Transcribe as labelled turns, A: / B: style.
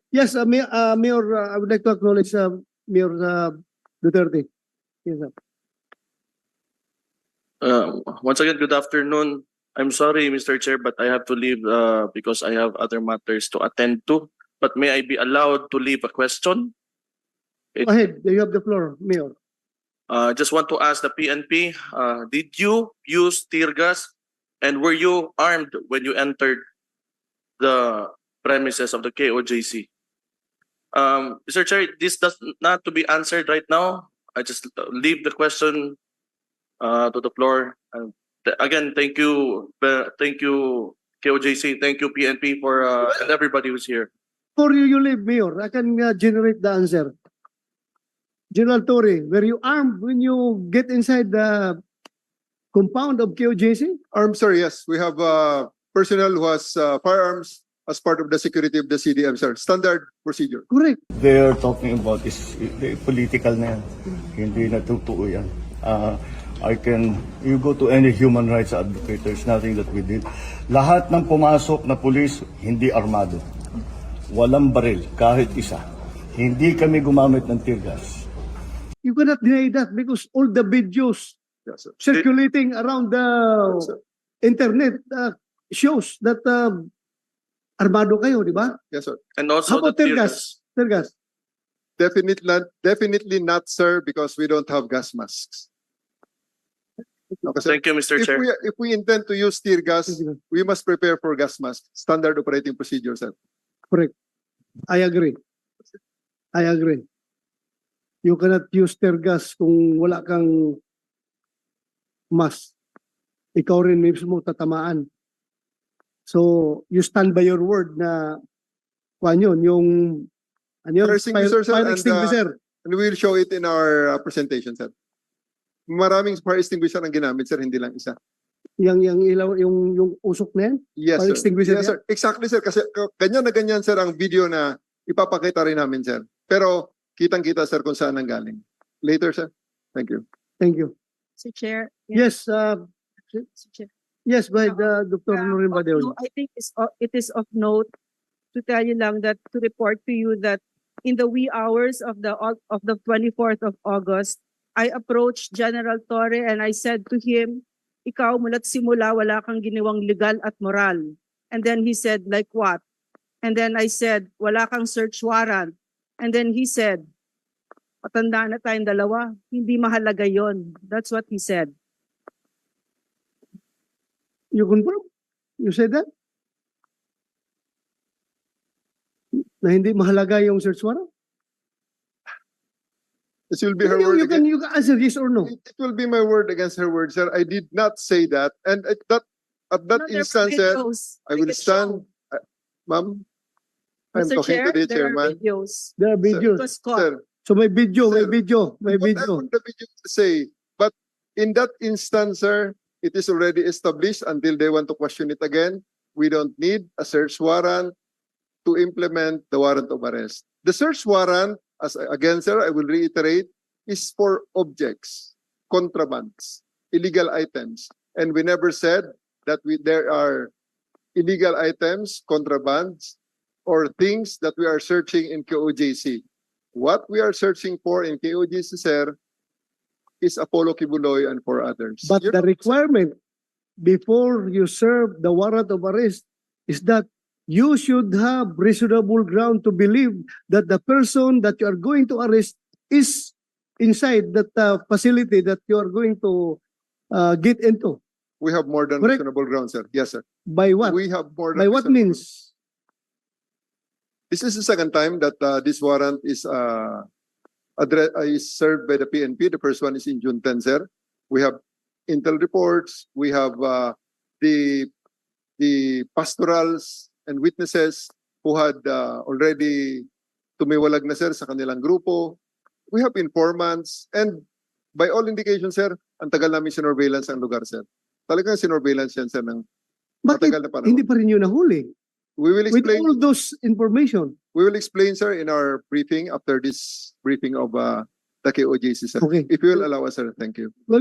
A: Yes, Mayor, I would like to acknowledge Mayor Duterte. Yes, sir.
B: Once again, good afternoon. I'm sorry, Mr. Chair, but I have to leave because I have other matters to attend to. But may I be allowed to leave a question?
A: Go ahead, you have the floor, Mayor.
B: Just want to ask the PNP, did you use tear gas and were you armed when you entered the premises of the KOJC? Mr. Chair, this does not to be answered right now. I just leave the question to the floor. Again, thank you KOJC, thank you PNP for and everybody who's here.
A: Before you leave, Mayor, I can generate the answer. General Torre, were you armed when you get inside the compound of KOJC?
C: Armed, sir, yes. We have personnel who has firearms as part of the security of the CDM, sir. Standard procedure.
A: Correct.
D: They are talking about is political na yan. Hindi na totoo yan. You go to any human rights advocate, there's nothing that we did. Lahat ng pumasok na pulis, hindi armado. Walang baril, kahit isa. Hindi kami gumamit ng tear gas.
A: You cannot deny that because all the videos
C: Yes, sir.
A: circulating around the
C: Yes, sir.
A: internet shows that armado kayo, di ba?
C: Yes, sir.
B: And also
A: How about
B: the
A: tear gas? Tear gas.
C: Definitely not, sir, because we don't have gas masks. Okay, sir.
B: Thank you, Mr. Chair.
C: If we intend to use tear gas, we must prepare for gas mask. Standard operating procedure, sir.
A: Correct. I agree. I agree. You cannot use tear gas kung wala kang mask. Ikaw rin mismo tatamaan. So, you stand by your word na kuan yun, yung ano yun?
C: Fire extinguisher, sir,
A: Fire
C: and,
A: extinguisher.
C: And we will show it in our presentation, sir. Maraming fire extinguisher ang ginamit, sir, hindi lang isa.
A: Yung ilaw, yung usok na yan?
C: Yes,
A: Fire
C: sir.
A: extinguisher
C: Yes, sir. Exactly, sir. Kasi ganyan na ganyan, sir, ang video na ipapakita rin namin, sir. Pero kitang-kita, sir, kung saan ang galing. Later, sir. Thank you.
A: Thank you.
E: Mr. Chair.
A: Yes,
E: Mr. Chair.
A: yes, by Dr. Norin Badeo.
E: I think it is of note to tell you lang that to report to you that in the wee hours of the 24th of August, I approached General Torre and I said to him, ikaw mula't simula wala kang ginawang legal at moral. And then he said, like what? And then I said, wala kang search warrant. And then he said, matanda na tayong dalawa, hindi mahalaga yon. That's what he said.
A: You confirm? You said that? Na hindi mahalaga yung search warrant?
C: This will be her word
A: You
C: again.
A: can answer yes or no.
C: It will be my word against her word, sir. I did not say that. And at that
E: No, there were
C: instance, sir,
E: videos.
C: I
E: We
C: will
E: can
C: stand.
E: show.
C: Ma'am, I'm
E: Mr.
C: talking
E: Chair,
C: to the
E: there are
C: chairman.
E: videos.
A: There are
E: It
A: videos.
E: was caught.
C: Sir,
A: So may video, may
C: Sir,
A: video, may
C: whatever
A: video.
C: the video to say. But in that instance, sir, it is already established until they want to question it again. We don't need a search warrant to implement the warrant of arrest. The search warrant, again, sir, I will reiterate, is for objects, contrabands, illegal items. And we never said that there are illegal items, contrabands, or things that we are searching in KOJC. What we are searching for in KOJC, sir, is Apollo Kibuloy and for others.
A: But
C: You
A: the
C: know,
A: requirement before you serve the warrant of arrest is that you should have reasonable ground to believe that the person that you are going to arrest is inside that facility that you are going to get into.
C: we have more than
A: Correct.
C: reasonable ground, sir. Yes, sir.
A: By what?
C: We have more than
A: By what
C: reasonable-
A: means?
C: This is the second time that this warrant is served by the PNP. The first one is in June 10, sir. We have intel reports. We have the pastorals and witnesses who had already tumiwalag na, sir, sa kanilang grupo. We have informants. And by all indications, sir, ang tagal namin sinurveillance ang lugar, sir. Talagang sinurveillance yan, sir, ng
A: Bakit
C: matagal na panahon.
A: hindi pa rin yun nahuli?
C: We will
A: With
C: explain.
A: all those information.
C: We will explain, sir, in our briefing after this briefing of the KOJC, sir.
A: Okay.
C: If you will allow us, sir. Thank you.